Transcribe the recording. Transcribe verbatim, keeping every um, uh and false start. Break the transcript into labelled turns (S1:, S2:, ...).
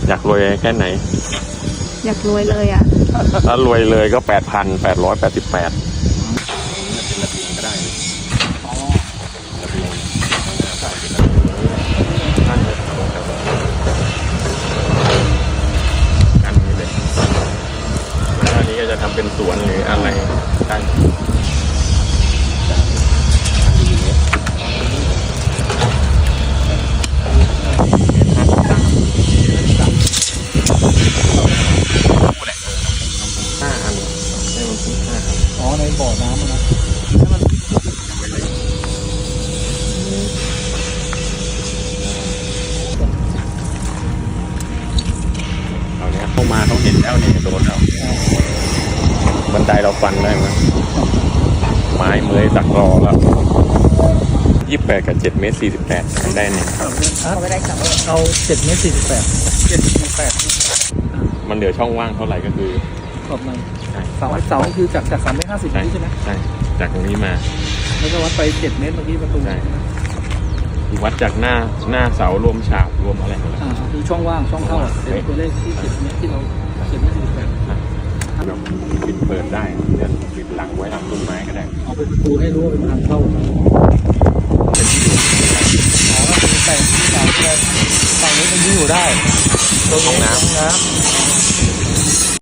S1: อยากรวยแค่ไหน
S2: อยากรวยเลยอ่ะ
S1: ถ้ารวยเลยก็แปดพันแปดร้อยแปดสิบแปดเป็นระเบียงก็ได้ระเบียงนั่นเลยกันนี้เลยแล้วอันนี้ก็จะทำเป็นสวนหรืออะไรได้ห้าอันให้มันถึงห้าอัน
S3: อ๋อในบ่อน้ำนะ
S1: เอาเนี้ยเข้ามาเขาเห็นแล้วเนี่ยโดนแล้วบันไดเราฟันได้ไหมไม้เมยตักรอแล้วยี่สิบแปดกับเจ็ดเมตรสี่สิบแปดได้เนี่ย
S2: เอาไปได้สอง
S3: เอาเจ็ดเมตรสี่สิบแปดเจ็ดสิบแปด
S1: มันเหลือช่องว่างเท่าไหร่ก็คือ
S3: ขอบในเสาเสาคือจากจากสามเมตรห้าสิบใช่ไหม
S1: ใช่จากตรงนี้มา
S3: แล้วก็วัดไปเจ็ดเมตรเมื่อกี้ประตู
S1: ใช่วัดจากหน้าหน้าเสารวมฉากรวมอะไรหมดแล้ว
S3: อ่าคือช่องว่างช่องเข้าเป็นตัวเลขที่เจ็ดเมตรที่เราเจ็ดเมตรสี่สิบแปด
S1: แบบปิดเปิดได้เนี่ยปิดหลังไว้ทำต้นไม้ก็ได้
S3: เอาเป็นประตูให้รู้ว่าเป็นทางเข้า
S1: เป็นที่อยู่
S3: อ๋อแต่ที่สามเลยฝั่งนี้มันยิ่งอยู่ได้
S1: ห้องน้ำ
S3: น้ำ